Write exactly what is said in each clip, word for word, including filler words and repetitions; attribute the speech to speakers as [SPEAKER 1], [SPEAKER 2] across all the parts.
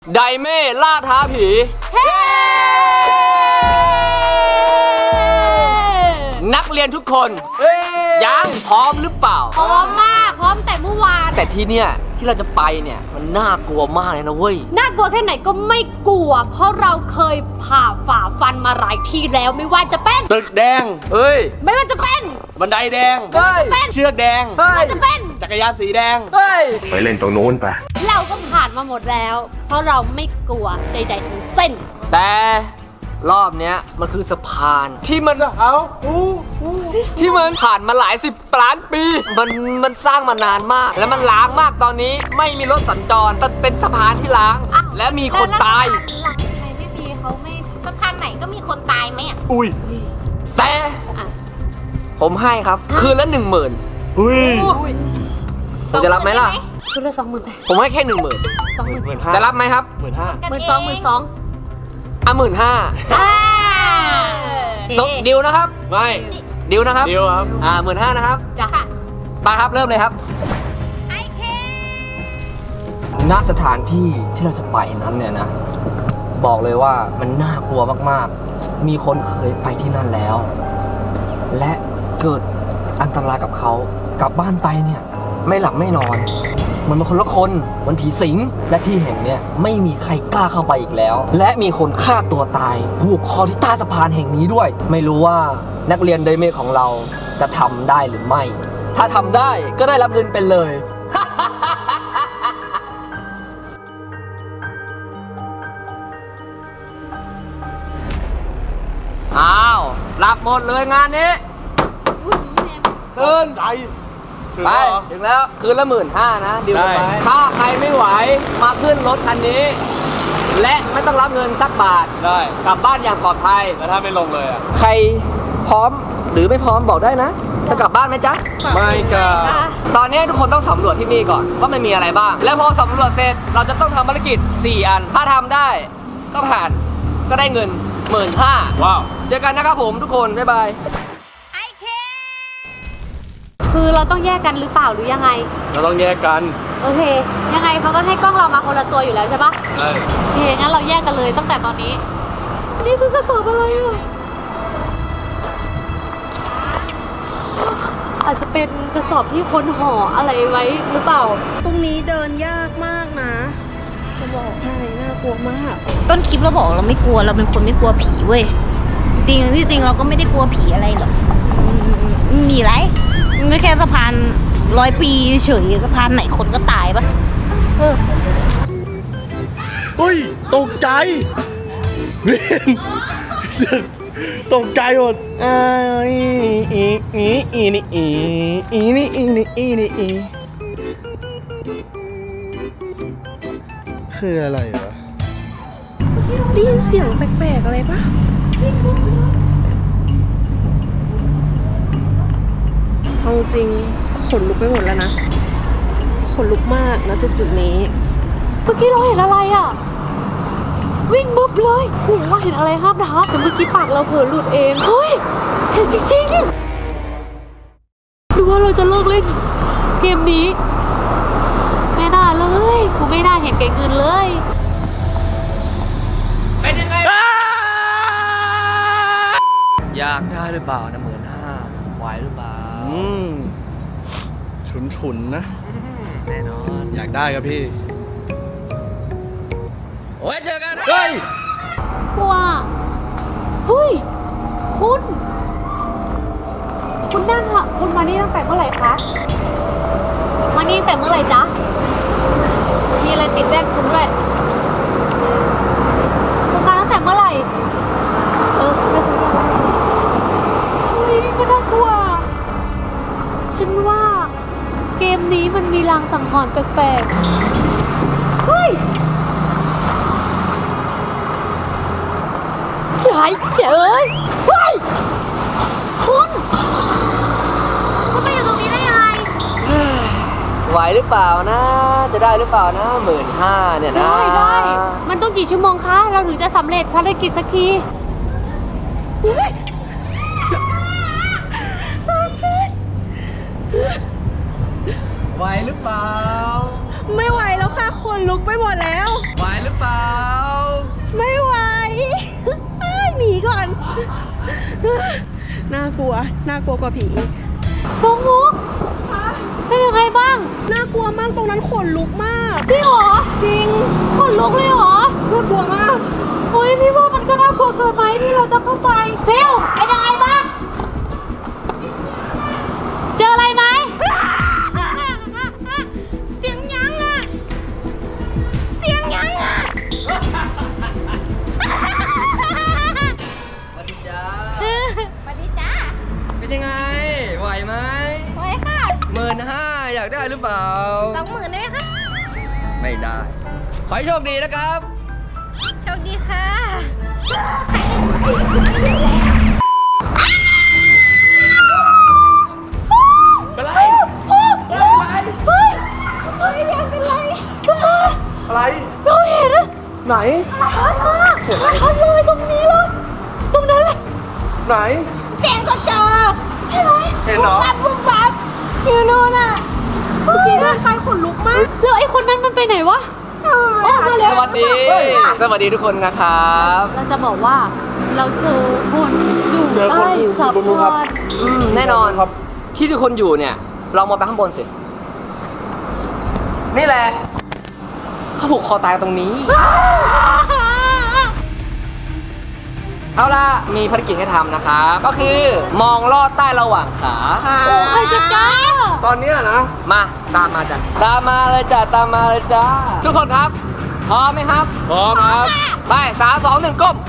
[SPEAKER 1] ไดเม่ล่าท้าผีนักเรียนทุกคนยังพร้อมหรือเปล่า
[SPEAKER 2] พร้อมมากพร้อมแต่เมื่อวาน
[SPEAKER 1] แต่ที่เนี่ยที่เราจะไปเนี่ยมันน่ากลัวมากเลยนะเว้ย
[SPEAKER 2] น่ากลัวแค่ไหนก็ไม่กลัวเพราะเราเคยผ่าฝ่าฟันมาหลายที่แล้วไม่ว่าจะเป็น
[SPEAKER 1] ตึกแดงเฮ้ย
[SPEAKER 2] ไม่ว่าจะเป็น
[SPEAKER 1] บันไดแดงเฮ้ยเชือกแดง
[SPEAKER 2] ไม่ว่าจะเป็น
[SPEAKER 1] จักรยานสีแดงเฮ้ย
[SPEAKER 3] ไปเล่นตรงโน้นไป
[SPEAKER 2] เราก็ผ่านมาหมดแล้วเพราะเราไม่กลัวใดๆทั้งสิ้น
[SPEAKER 1] แต่รอบเนี้ยมันคือสะพานที่มันเอาที่มันผ่านมาหลายสิบล้านปีมันมันสร้างมานานมากและมันล้างมากตอนนี้ไม่มีรถสัญจรแต่เป็นสะพานที่ล้างและมีคนตาย
[SPEAKER 2] หลังใครไม่มีเขาไม่สะพานไหนก็มีคนตายไหมอ่ะ
[SPEAKER 1] อุ้ยแต่ผมให้ครับคืนละหนึ่งหมื่นอุ้ยผมจะรับไหมล่ะ
[SPEAKER 2] คืนละสองหมื่นไป
[SPEAKER 1] ผมให้แค่หนึ่งหมื่น
[SPEAKER 2] สองหมื่น
[SPEAKER 1] จะรับไหมครับ
[SPEAKER 3] หมื่นห้า
[SPEAKER 2] หมื่นสองหมื่นสอง
[SPEAKER 1] อ่ะหมื่นห้าดิวนะครับ
[SPEAKER 3] ไม่
[SPEAKER 1] ดิวนะครับ
[SPEAKER 3] ดิวครับ
[SPEAKER 1] อ่าหมื่นห้านะครับ
[SPEAKER 2] จ้ะ
[SPEAKER 1] ไปครับเริ่มเลยครับ
[SPEAKER 2] ไอเค
[SPEAKER 1] ณสถานที่ที่เราจะไปนั้นเนี่ยนะบอกเลยว่ามันน่ากลัวมากๆมีคนเคยไปที่นั่นแล้วและเกิดอันตรายกับเขากลับบ้านไปเนี่ยไม่หลับไม่นอนมันเป็นคนละคนมันผีสิงและที่แห่งเนี้ยไม่มีใครกล้าเข้าไปอีกแล้วและมีคนฆ่าตัวตายผูกคอที่ใต้สะพานแห่งนี้ด้วยไม่รู้ว่านักเรียนไดเมของเราจะทำได้หรือไม่ถ้าทำได้ก็ได้รับเงินไปเลย อ้าวรับหมดเลยงานนี้เกิน
[SPEAKER 3] ใจ
[SPEAKER 1] ไปถึงแล้วคืนละหมื่นห้านะดิวไปถ้าใครไม่ไหวมาขึ้นรถคันนี้และไม่ต้องรับเงินสักบาท
[SPEAKER 3] ได้
[SPEAKER 1] กลับบ้านอย่างปลอดภัย
[SPEAKER 3] แล้วถ้าไม่ลงเลยอ่ะ
[SPEAKER 1] ใครพร้อมหรือไม่พร้อมบอกได้นะจะกลับบ้านไหมจ๊ะ
[SPEAKER 3] ไม่กลับ
[SPEAKER 1] ตอนนี้ทุกคนต้องสำรวจที่นี่ก่อนว่ามันมีอะไรบ้างแล้วพอสำรวจเสร็จเราจะต้องทำภารกิจสี่อันถ้าทำได้ก็ผ่านก็ได้เงินหมื่นห้า
[SPEAKER 3] ว้าว
[SPEAKER 1] เจอกันนะครับผมทุกคนบ๊ายบาย
[SPEAKER 2] คือเราต้องแยกกันหรือเปล่าหรือยังไง
[SPEAKER 3] เราต้องแยกกัน
[SPEAKER 2] โอเคยังไงเขาก็ให้กล้องเรามาคนละตัวอยู่แล้วใช่ปะ
[SPEAKER 3] ใช่
[SPEAKER 2] โอเคงั้นเราแยกกันเลยตั้งแต่ตอนนี้อันนี้คือกระสอบอะไรอ่ะอาจจะเป็นกระสอบที่คนห่ออะไรไว้หรือเปล่า
[SPEAKER 4] ตรงนี้เดินยากมากนะจะบอกให้น่ากลัวมาก
[SPEAKER 5] ต้นคลิปเราบอกเราไม่กลัวเราเป็นคนไม่กลัวผีเว้ยจริงที่จริงเราก็ไม่ได้กลัวผีอะไรหรอกมีไรไม่แค่สะพานร้อยปีเฉยสะพานไหนคนก็ตายปะเออ
[SPEAKER 3] เฮ้ยตกใจเวียนตกใจหมดอ่าอีอีอีอีนี่อีอีนี่อีนี่อีนี่อีคืออะไรวะ
[SPEAKER 4] ได้ยินเสียงแปลกๆอะไรปะเอาจริงขนลุกไปหมดแล้วนะขนลุกมากนะจุดจุดนี้
[SPEAKER 2] เมื่อกี้เราเห็นอะไรอ่ะวิ่งบึ๊บเลยโหว่าเห็นอะไรห้ามทับแต่เมื่อกี้ปากเราเผลอหลุดเองเฮ้ยเห็นจริงๆดูว่าเราจะเลิกเล่นเกมนี้ไม่น่าเลยกูไม่น่าเห็นเกมอื่นเลย
[SPEAKER 1] เป็นยังไงอยากได้หรือเปล่านะหมื่นห้าไหวหรือเปล่า
[SPEAKER 3] อืมฉุนฉุนนะ
[SPEAKER 1] แน่นอน
[SPEAKER 3] อยากได้ครับพี่
[SPEAKER 1] โอ้ยเจอกัน
[SPEAKER 3] เฮ้ย
[SPEAKER 2] ว้าเฮ้ยคุณคุณนั่งค่ะคุณมานี่ตั้งแต่เมื่อไหร่คะมานี่ตั้งแต่เมื่อไหร่จ๊ะมีอะไรติดแว่นคุณด้วยคุณมาตั้งแต่เมื่อไหร่เออไม่คุณเฮ้ยก็น่ากลัวฉันว่าเกมนี้มันมีลางสังหรณ์แปลกๆเฮ้ยหายเฉยเฮ้ยคุณคุณมาอยู่ตรงนี้ได้ยังไง
[SPEAKER 1] ไหวหรือเปล่านะจะได้หรือเปล่านะหมื่นห้าเนี่ยนะ
[SPEAKER 2] ได้ได้มันต้องกี่ชั่วโมงคะเราถึงจะสำเร็จภารกิจสักที
[SPEAKER 1] ไหวหรือเปล่า
[SPEAKER 4] ไม่ไหวแล้วค่ะขนลุกไปหมดแล้ว
[SPEAKER 1] ไหวหรือเปล่า
[SPEAKER 4] ไม่ไหว หนีก่อน น่ากลัว น่ากลัวกว่าผีอีก
[SPEAKER 2] มุกมุกเป็นยังไงบ้าง
[SPEAKER 4] น่ากลัวมากตรงนั้นขนลุกมาก
[SPEAKER 2] จริงเหรอ
[SPEAKER 4] จริง
[SPEAKER 2] ขนลุกเลยเหรอ
[SPEAKER 4] น่ากลัวมาก
[SPEAKER 2] เฮ้ยพี่ว่ามันก็น่ากลัวเกินไปที่เราจะเข้าไปฟิลเป็นยังไงบ้าง เจออะไรไหม
[SPEAKER 4] เสียงยังอ่ะ เสียงยังอ่ะ
[SPEAKER 1] สวัสดีจ้า
[SPEAKER 5] สวัสดีจ้า
[SPEAKER 1] เป็นยังไง ไหวไหม
[SPEAKER 5] ไว้ค่ะ
[SPEAKER 1] หมื่นห้าอยากได้หรือเปล่า
[SPEAKER 5] สองหมื่นได้ไหมคะ
[SPEAKER 1] ไม่ได้ ขอให้โชคดีนะครับ
[SPEAKER 5] โชคดีค่ะ
[SPEAKER 3] เป็นไร
[SPEAKER 4] เฮ้ยเรียนเป็นไร
[SPEAKER 3] อะไร
[SPEAKER 2] เราเห็น
[SPEAKER 3] ไหน
[SPEAKER 2] ชัดมากชัดเลยตรงนี้เลยตรงนั้นเลย
[SPEAKER 3] ไหน
[SPEAKER 5] แจงก็เจอ
[SPEAKER 2] ใช่ไหม
[SPEAKER 3] เห็นเหรอ
[SPEAKER 5] ปั๊บปุ๊บปั๊บอยู่นู่นน่ะ
[SPEAKER 4] เมื่อกี้เดินไปขนลุกมาก
[SPEAKER 2] แล้วไอ้คนนั้นมันไปไหนวะออกมาแล้ว
[SPEAKER 1] สวัสดี สวัสดีทุกคนนะครับ
[SPEAKER 2] เราจะบอกว่าเราเจอคนอยู่
[SPEAKER 3] เจอคน
[SPEAKER 2] ใต้
[SPEAKER 3] อยู่
[SPEAKER 2] สะ
[SPEAKER 3] บนภู
[SPEAKER 2] พ
[SPEAKER 3] ครับ
[SPEAKER 2] าน
[SPEAKER 1] อืมแน่นอน
[SPEAKER 3] ครับ
[SPEAKER 1] ที่ทุกคนอยู่เนี่ย เรามองไปข้างบนสิ นี่แหละ เขาผูกคอตายตรงนี้ เอาล่ะ มีภารกิจให้ทำนะครับ ก็คือมองลอดใต้ระหว่างขา
[SPEAKER 2] โอ้ใครจะกล้า
[SPEAKER 3] ตอนเนี้ยนะ
[SPEAKER 1] มา ตามมาจ้ะ ตามมาเลยจ้ะ ตามมาเลยจ้า ทุกคนครับ พร้อมไหมครับ
[SPEAKER 3] พร้อมครับ
[SPEAKER 1] ไปสามสองหนึ่งก้ม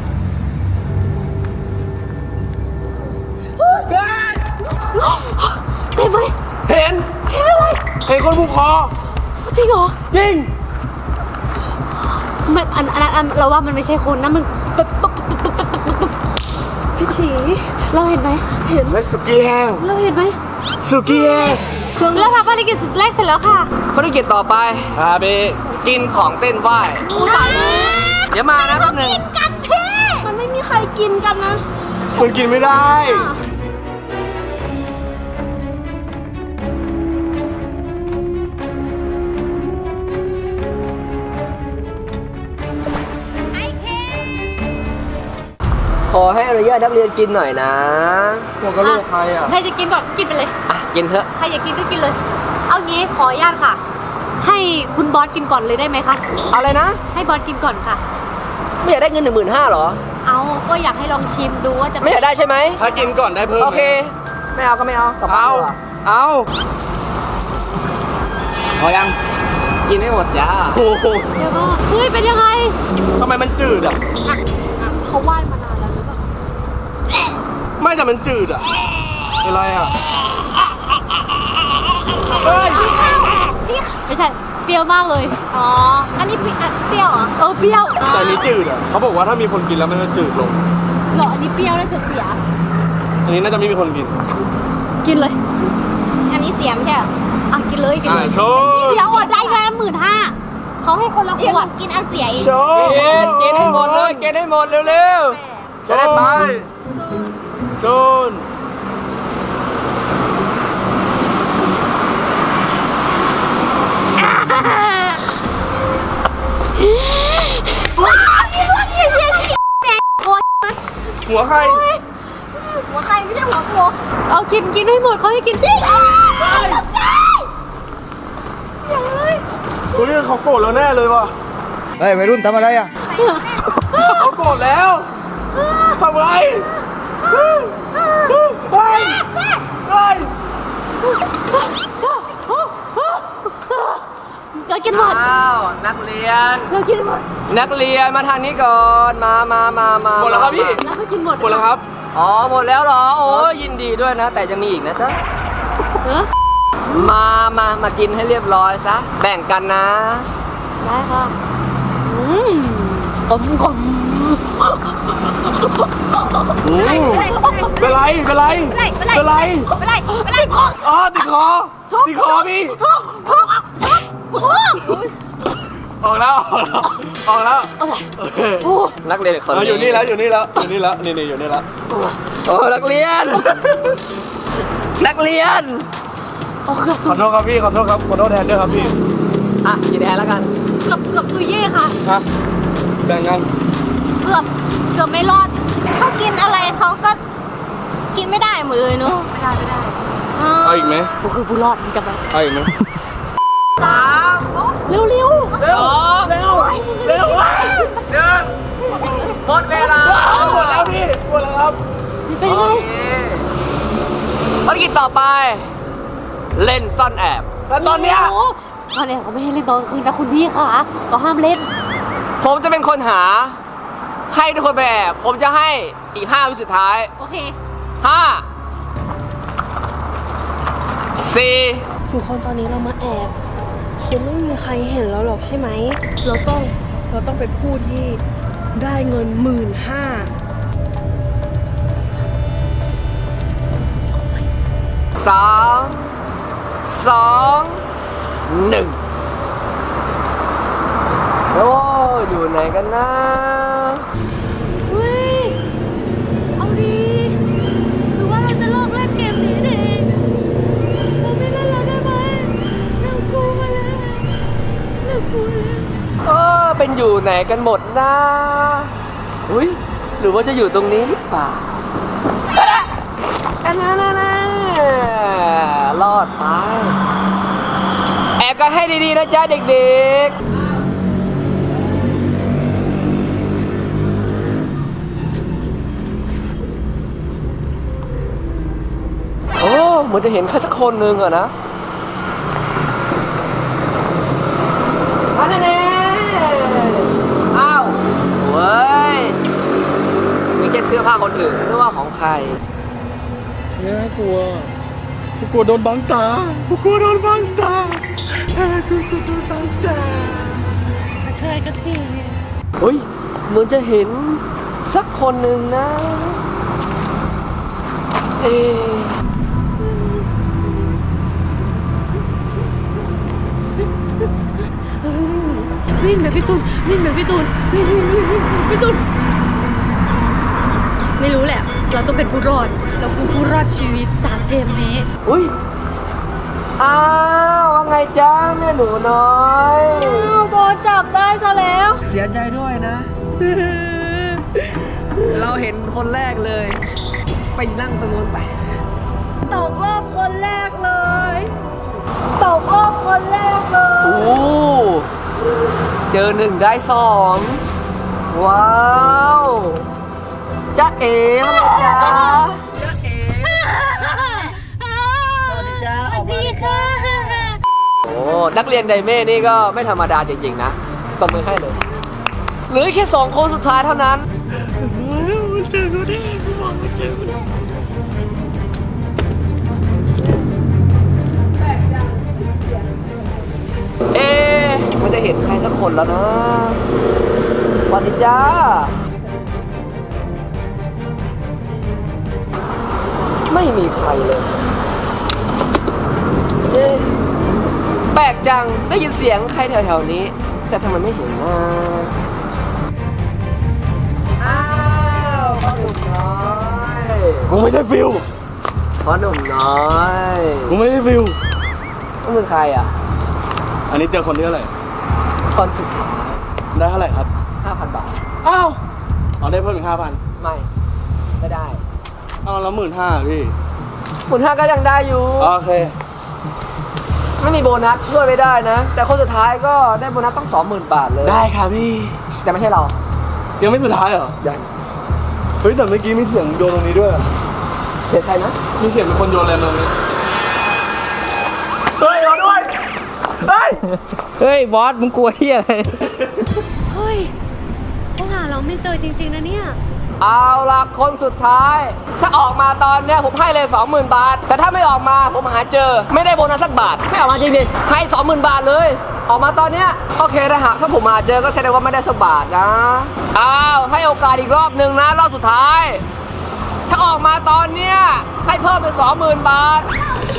[SPEAKER 2] เต็มไหม
[SPEAKER 3] เห็น
[SPEAKER 2] เห็นอะไร
[SPEAKER 3] เห็นคนผูกคอ
[SPEAKER 2] จริงเหรอ
[SPEAKER 3] จริง
[SPEAKER 2] มันอันอันอันเราว่ามันไม่ใช่คนนะมันแบบปุ๊บปุ๊บปุ๊บปุ๊บปุ๊บปุ๊บ
[SPEAKER 4] พี่ผี
[SPEAKER 2] เราเห็นไหม
[SPEAKER 3] เห็นและสุกี้แห้ง
[SPEAKER 2] เราเห็นไหม
[SPEAKER 3] สุกี้แห้ง
[SPEAKER 2] เราทำภารกิจแรกเสร็จแล้วค่ะ
[SPEAKER 1] ภารกิจต่อไป
[SPEAKER 3] อาเบ
[SPEAKER 1] กินของเส้นไหว้
[SPEAKER 2] โอ้ตายแล้ว
[SPEAKER 1] เดี๋ยวมานะแป๊บหนึง
[SPEAKER 4] มันไม่มีใครกินกันนะ
[SPEAKER 3] มันกินไม่ได้
[SPEAKER 1] ขอให้อนุญาตนักเรียนกินหน่อยนะ
[SPEAKER 3] หัวกะโหลกใครอ่ะ
[SPEAKER 2] ใครจะกินก่อนก็กินไปเลย
[SPEAKER 1] อ่ะ กินเถอะ
[SPEAKER 2] ใครอยากกินก็กินเลย เอางี้ขออนุญาตค่ะ ให้คุณบอสกินก่อนเลยได้ไหมคะ
[SPEAKER 1] เอาเลยนะ
[SPEAKER 2] ให้บอสกินก่อนค่ะ
[SPEAKER 1] ไม่อยากได้เงินหนึ่งหมื่นห้าหรอ
[SPEAKER 2] เอาก็อยากให้ลองชิมดูว่าจะ
[SPEAKER 1] ไม่อยากได้ใช่ไหม
[SPEAKER 3] ถ้ากินก่อนได้เพิ่ม
[SPEAKER 1] โอเค ไม่เอาก็ไม่เอากลับบ้าน
[SPEAKER 3] เอา
[SPEAKER 1] ดีกว่า
[SPEAKER 3] เอา
[SPEAKER 1] พอยัง กินไม่หมดจ้า
[SPEAKER 3] โอ้โห
[SPEAKER 2] เดี๋ยวก่อนเฮ้ยเป็นยังไง
[SPEAKER 3] ทำไมมันจืดอ่ะ
[SPEAKER 2] อ่ะอ่ะเขาไหว้มานานแล้วหรือเปล่า
[SPEAKER 3] ไม่แต่มันจืดอ่ะเป็นไรอ่ะ เฮ้ย
[SPEAKER 2] ไม่ใช่เปรี้ยวมากเลย
[SPEAKER 5] อ๋อ อันนี้เปรี้ยวเปรี้ยวเหรอ
[SPEAKER 2] เออเปรี้ยว
[SPEAKER 3] แต่อันนี้จืดอ่ะ เขาบอกว่าถ้ามีคนกินแล้วมันจะจืดลง
[SPEAKER 2] เหรออันนี้เปรี้ยวแล้วจะเสีย
[SPEAKER 3] อันนี้น่าจะไม่มีคนกิน
[SPEAKER 2] กินเลย
[SPEAKER 5] อันนี้เสียมใช่เหรอ
[SPEAKER 2] อ่ะกินเลยกิน
[SPEAKER 3] อ่า
[SPEAKER 2] เลย
[SPEAKER 3] โชว์
[SPEAKER 2] เดี๋ยวอดได้เงินหมื่นห้าเขาให้คนละข
[SPEAKER 5] เดี๋ยวห
[SPEAKER 2] ว
[SPEAKER 5] นู
[SPEAKER 2] ด
[SPEAKER 5] กินอันเสียอีก
[SPEAKER 3] โชว์
[SPEAKER 1] กิน กินให้หมดเลย กินให้หมดเร็วๆจะได้ไป
[SPEAKER 3] โชน หัวใคร
[SPEAKER 5] หัวใครไม่ใช่หัวกู
[SPEAKER 2] เอากินกินให้หมดเขาให้กินสิ
[SPEAKER 3] ตัวนี้เขาโกรธแล้วแน่เลยว่ะ
[SPEAKER 6] เฮ้ยวัยรุ่นทำอะไรอ่ะ
[SPEAKER 3] เขาโกรธแล้วทำไรเฮ้ยเฮ้ยเฮ้ย
[SPEAKER 2] เรากินหมด
[SPEAKER 1] อ้าว นักเรียน
[SPEAKER 2] เรากินหมด
[SPEAKER 1] นักเรียนมาทางนี้ก่อน มามามามา
[SPEAKER 3] หมดแล้วครับพี่
[SPEAKER 2] เราก็กินหมด
[SPEAKER 3] หมดแล้วครับ
[SPEAKER 1] อ๋อ หมดแล้วเหรอ โอ้ยินดีด้วยนะ แต่จะมีอีกนะจ๊ะ
[SPEAKER 2] เออ
[SPEAKER 1] มา มา มากินให้เรียบร้อยซะ แบ่งกันนะ
[SPEAKER 2] ได้ค่ะอืมกลมกลม
[SPEAKER 3] อืมเป็นไร เป็นไร เป็นไร
[SPEAKER 5] เป็นไรเป็นไร
[SPEAKER 3] อ๋อติดคอ ติดคอพี่ ออกแล้ว ออกแล้ว
[SPEAKER 2] โอ้
[SPEAKER 1] นักเรียนอีกคน
[SPEAKER 3] เอาอยู่นี่แล้ว อยู่นี่แล้ว อยู่นี่แล้ว นี่นี่อยู่นี่แล้ว
[SPEAKER 1] โอ้นักเรียน นักเรียน
[SPEAKER 2] โอ้เกือบ
[SPEAKER 3] ขอโทษครับพี่ ขอโทษครับ ขอโทษแทนด้วยครับพี่
[SPEAKER 1] อ่ะกินแทนแล้วกัน
[SPEAKER 2] เกือบเกือบตุยเย่ค่ะ
[SPEAKER 3] ฮะแบ่งกัน
[SPEAKER 2] เกือบเกือบไม่รอด
[SPEAKER 5] เขากินอะไรเขาก็กินไม่ได้หมดเลยเนอะ
[SPEAKER 2] ไม่ได้ไม่ได้
[SPEAKER 5] อ้าว
[SPEAKER 3] เอาอีกไหม
[SPEAKER 2] กูคือผู้รอดมึงจำไว้
[SPEAKER 3] เอาอีกไหม
[SPEAKER 1] สาม
[SPEAKER 2] เร็วเร็ว
[SPEAKER 1] สองเร็วเร็วหนึ่งหมดเวลา
[SPEAKER 3] หมดแล้วพี่หมดแล้วครับ
[SPEAKER 2] เป็นไง
[SPEAKER 1] โอเคภารกิจต่อไป เล่นซ่อนแอบ
[SPEAKER 3] แล้วตอนเนี้ย
[SPEAKER 2] โอ้ตอนนี้เขาไม่ให้เล่นตอนกลางคืนนะคุณพี่ค่ะก็ห้ามเล่น
[SPEAKER 1] ผมจะเป็นคนหา ให้ทุกคนไปแอบ ผมจะให้อีกห้าวิสุดท้าย
[SPEAKER 2] โอเค
[SPEAKER 1] ห้าสี่
[SPEAKER 4] ทุกคนตอนนี้เรามาแอบคงไม่มีใครเห็นเราหรอกใช่ไหม เราต้องเราต้องเป็นผู้ที่ได้เงินหมื่นห้า
[SPEAKER 1] สามสองหนึ่งโอ้อยู่ไหนกันนะ
[SPEAKER 2] เฮ้ย เอาดีหรือว่าเราจะเลิกเล่นเกมนี้ดีเราไม่เล่นแล้วได้ไหมเรากลัวแล้วเรากลัวแล้ว
[SPEAKER 1] เออเป็นอยู่ไหนกันหมดนะอุ้ยหรือว่าจะอยู่ตรงนี้หรือเปล่าอันนั้นนะรอดไป แอบกันให้ดีๆนะจ๊ะเด็กๆ โอ้เหมือนจะเห็นใครสักคนหนึ่งอะนะอันนั้นเองอ้าวเว้ยมีแค่เสื้อผ้าคนอื่นหรือว่าของใคร
[SPEAKER 3] เนี่ยกลัวกูกลัวโดนบังตากูกลัวโดนบังตากูกลัวโดนบังตา
[SPEAKER 2] ช่วยกันที
[SPEAKER 1] เฮ้ยเหมือนจะเห็นสักคนหนึ่งนะ เอ๊ะ
[SPEAKER 2] วิ่งแบบพี่ตูนวิ่งแบบพี่ตูนวิ่งวิ่งวิ่งวิ่งพี่ตูนไม่รู้แหละ เราต้องเป็นผู้รอด เราคือผู้รอดชีวิตจากเกมนี้
[SPEAKER 1] อุ้ยอ้าวว่าไงจ๊ะแม่หนูน้อย
[SPEAKER 4] โดนจับได้ซะแล้ว
[SPEAKER 1] เสียใจด้วยนะ เราเห็นคนแรกเลย ไปนั่งตรงนู้นไป
[SPEAKER 4] ตกรอบคนแรกเลย ตกรอบคนแรกเลย
[SPEAKER 1] โอ้เจอหนึ่งได้สองว้าวจ๊ะเอ๋มาเลยจ๊ะจ๊ะเอ๋สวัสดีจ้าออกมาเลยจ้าโอ้นักเรียนไดเม่นี่ก็ไม่ธรรมดาจริงๆนะตบมือให้เลยเหลือแค่สองคนสุดท้ายเท่านั้น
[SPEAKER 3] เจอกูดิกูบอกว่าเจอกูดิ
[SPEAKER 1] เอ๊ะมันจะเห็นใครสักคนแล้วนะสวัสดีจ้า ไม่มีใครเลยเอ๊ะแปลกจัง ได้ยินเสียงใครแถวๆนี้ แต่ทำไมไม่เห็นนะอ้าวพ่อหนุ่มน้อย
[SPEAKER 3] กูไม่ใช่ฟิล
[SPEAKER 1] พ่อหนุ่มน้อย
[SPEAKER 3] กูไม่ใช่ฟิล
[SPEAKER 1] นั่นเป็นใครอ่ะ
[SPEAKER 3] อันนี้เจอคนที่เท่าไหร่
[SPEAKER 1] คนสุดท้าย
[SPEAKER 3] ได้เท่าไหร่ครับ
[SPEAKER 1] ห้าพันบาท
[SPEAKER 3] อ้าวเอาได้เพิ่มอีกห้าพัน
[SPEAKER 1] ไม่ ไม่ได้
[SPEAKER 3] เอาแล้วหมื่นห้าพี่
[SPEAKER 1] หมุนห้าก็ยังได้อยู่
[SPEAKER 3] โอเค
[SPEAKER 1] ไม่มีโบนัสช่วยไม่ได้นะ แต่คนสุดท้ายก็ได้โบนัสต้องสองหมื่นบาทเลย
[SPEAKER 3] ได้ค่ะพี่
[SPEAKER 1] แต่ไม่ใช่เรา
[SPEAKER 3] ยังไม่สุดท้ายเหรอ
[SPEAKER 1] ยัง
[SPEAKER 3] เฮ้ยแต่เมื่อกี้มีเสียงโยนตรงนี้ด้วยอะ
[SPEAKER 1] เสียใครนะ
[SPEAKER 3] มีเสียงเป็นคนโยนอะไรตรงนี้ เฮ้ยรอด้วย เฮ้ย
[SPEAKER 1] เฮ้ย บอส มึงกลัวที่อะไร
[SPEAKER 2] เฮ้ยเขาหาเราไม่เจอจริงๆนะเนี่ย
[SPEAKER 1] เอาล่ะ คนสุดท้าย ถ้าออกมาตอนเนี้ยผมให้เลย สองหมื่น บาท แต่ถ้าไม่ออกมาผมหาเจอ ไม่ได้โบนัสสักบาท ไม่ออกมาจริงๆให้ สองหมื่น บาทเลย ออกมาตอนเนี้ยโอเคนะฮะถ้าผมหาเจอก็แสดงว่าไม่ได้สักบาทนะอ้าวให้โอกาสอีกรอบหนึ่งนะรอบสุดท้าย ถ้าออกมาตอนเนี้ยให้เพิ่มเป็น สองหมื่น บาท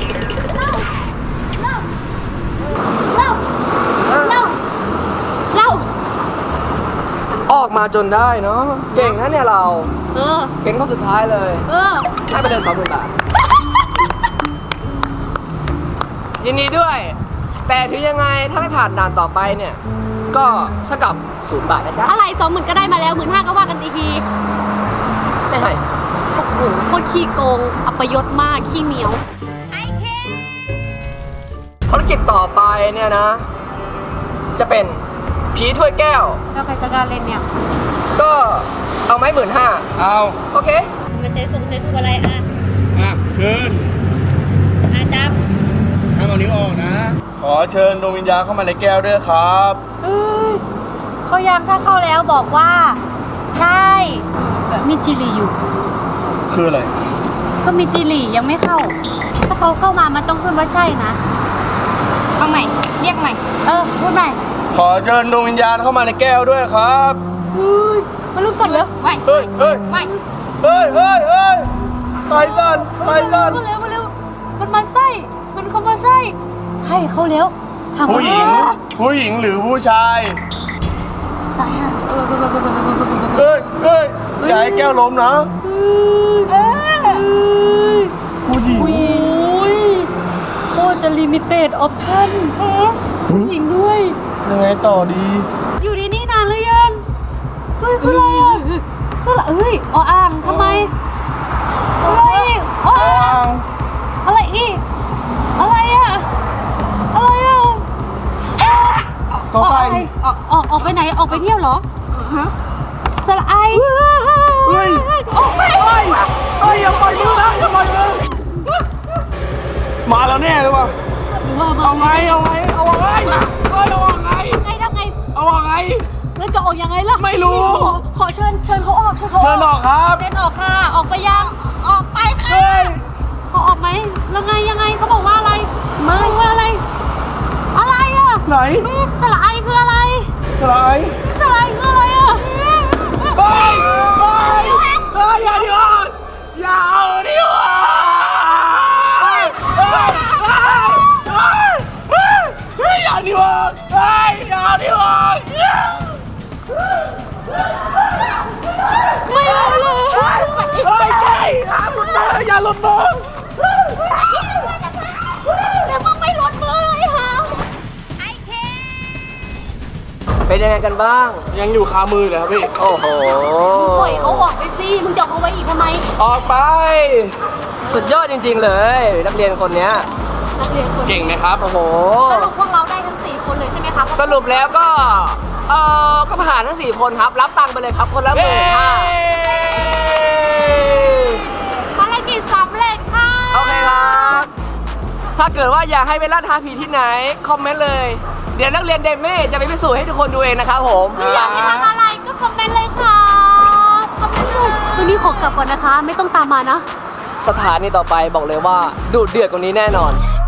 [SPEAKER 2] เล่าเล่าเล่า
[SPEAKER 1] ออกมาจนได้เนาะเก่งนะเนี่ยเรา
[SPEAKER 2] เออ
[SPEAKER 1] เก่งข้อสุดท้ายเลย
[SPEAKER 2] เออ
[SPEAKER 1] ให้ไปเลยสองหมื่นบาท ยินดีด้วยแต่ถึงยังไงถ้าไม่ผ่านด่านต่อไปเนี่ย ก็เท่ากับศูนย์บาทนะจ๊ะ
[SPEAKER 2] อะไรสองหมื่นก็ได้มาแล้วหมื่นห้าก็ว่ากันอีกที
[SPEAKER 1] ไม่ให้
[SPEAKER 2] โอ้โหโคตรขี้โกง อัปยศมาก ขี้เหนียว
[SPEAKER 1] ภารกิจต่อไปเนี่ยนะ จะเป็นผีถ้วยแก้ว
[SPEAKER 2] แล้วใครจะกล้าเล่นเนี่ย
[SPEAKER 1] ก็เอาไหมหมื่นห้า
[SPEAKER 3] เอา
[SPEAKER 1] โอเค
[SPEAKER 5] ไม่ใช่ส่งเซ็ตอะไรอ่ะ
[SPEAKER 3] อ่ะเชิญ
[SPEAKER 5] อ่ะจับ
[SPEAKER 3] ห้ามเอานิ้วออกนะ ขอเชิญดวงวิญญาณเข้ามาในแก้วด้วยครับ
[SPEAKER 2] เอ้ยเขายังถ้าเข้าแล้วบอกว่า ใช่มีจิลีอยู่
[SPEAKER 3] คืออะไร
[SPEAKER 2] ก็มีจิลียังไม่เข้า ถ้าเขาเข้ามามันต้องขึ้นว่าใช่นะ
[SPEAKER 5] เอาใหม่ เรียกใหม่
[SPEAKER 2] เออ พูดใหม่
[SPEAKER 3] ขอเชิญดวงวิญญาณเข้ามาในแก้วด้วยครับ
[SPEAKER 2] เฮ้ยมันรูปสัตว์เหรอ
[SPEAKER 5] ไม่
[SPEAKER 3] เฮ้ยเฮ้ย
[SPEAKER 5] ไม่
[SPEAKER 3] เฮ้ยเฮ้ยเฮ้ยไททันไททัน
[SPEAKER 2] มาเร็วมาเร็วมันมาไส้ มันเข้ามาไส้ใช่เขาแล้วทำ
[SPEAKER 3] ผู้หญิง ผู้หญิงหรือผู้ชาย
[SPEAKER 2] ตายอ่ะเออเออเออเออเออเออ
[SPEAKER 3] เฮ้ยเฮ้ยอย่าให้แก้วล้มนะ
[SPEAKER 2] เออ
[SPEAKER 3] ผู้หญิง
[SPEAKER 2] โอ้ยโคตรจะลิมิเต็ดออปชั่นแฮะผู้หญิงด้วย
[SPEAKER 3] ยังไงต่อดี
[SPEAKER 2] อยู่ที่นี่นานหรือยัง เฮ้ยคืออะไรอ่ะคืออะไรเฮ้ยออ่างทำไมอะไรอีกออ่างอะไรอีก อะไรอ่ะ อะไรอ่ะเอ๊ะ
[SPEAKER 3] ต่อไป
[SPEAKER 2] ออกออกออกไปไหน ออกไปเที่ยวเหรอสละไอ
[SPEAKER 3] เฮ้ย
[SPEAKER 2] ออกไป
[SPEAKER 3] เฮ้ยเฮ้ยอย่าปล่อยมือนะอย่าปล่อยมือมาแล้วแน่เลยว่ะ
[SPEAKER 2] หรือว่ามา
[SPEAKER 3] เอาไง เอาไง เอาไงเฮ้ยเอาไง
[SPEAKER 2] ไงทำไง
[SPEAKER 3] เอาไง
[SPEAKER 2] แล้วจะออกยังไงล่ะ
[SPEAKER 3] ไม่รู้
[SPEAKER 2] ขอขอเชิญเชิญเขาออกเชิญเขา
[SPEAKER 3] เชิญออกครับ
[SPEAKER 2] เชิญออกค่ะ ออกไปยัง ออกไปค่ะ
[SPEAKER 3] เฮ้ย
[SPEAKER 2] เขาออกไหมแล้วไงยังไงเขาบอกว่าอะไรมาว่าอะไร อะไรอ่ะ
[SPEAKER 3] ไหน
[SPEAKER 2] สละไอคืออะไร
[SPEAKER 3] อะไร
[SPEAKER 2] สละไอคืออะไรอ่ะ
[SPEAKER 3] เฮ้ยเฮ้ยเฮ้ยอย่าดิวะอย่าเอาดิวะเฮ้ยเฮ้ยเฮ้ยเฮ้ยเฮ้ยเฮ้ยอย่าดิวะเฮ้ยอย่าดิวะ
[SPEAKER 2] ไม่เอาเลย
[SPEAKER 3] เฮ้ยเฮ้ยห้ามหลุดมืออย่าหลุดมือ
[SPEAKER 2] แต่มึงไม่ลดมือเลยฮะ
[SPEAKER 1] เป็นยังไงกันบ้าง
[SPEAKER 3] ยังอยู่คามือเลยครับพี่
[SPEAKER 1] โอ้โห
[SPEAKER 2] ปล่อยเขาออกไปสิมึงจะเอาเขาไว้อีกทำไม
[SPEAKER 3] ออกไป
[SPEAKER 1] สุดยอดจริง ๆ เลย นักเรียนคนเนี้ย
[SPEAKER 2] นักเรียนคน
[SPEAKER 3] เก่งไหมครับ
[SPEAKER 1] โอ้โห
[SPEAKER 2] สรุปพวกเราได้ทั้งสี่คนเลยใช่ไหมครับ
[SPEAKER 1] สรุปแล้วก็ เออก็ผ่านทั้งสี่คนครับ รับตังค์ไปเลยครับ คนละหมื่นห้า
[SPEAKER 2] ภารกิจสำเร็จค่ะ
[SPEAKER 1] โอเคครับ ถ้าเกิดว่าอยากให้ไปล่าท้าผีที่ไหน คอมเมนต์เลย เดี๋ยวนักเรียนเดเม่จะไปพิสูจน์ให้ทุกคนดูเองนะครับผม
[SPEAKER 2] อยากให้ทำอะไรก็คอมเมนต์เลยค่ะคอมเมนต์เลยวันนี้ขอกลับก่อนนะคะ ไม่ต้องตามมานะ
[SPEAKER 1] สถานีต่อไปบอกเลยว่าดุเดือดกว่านี้แน่นอน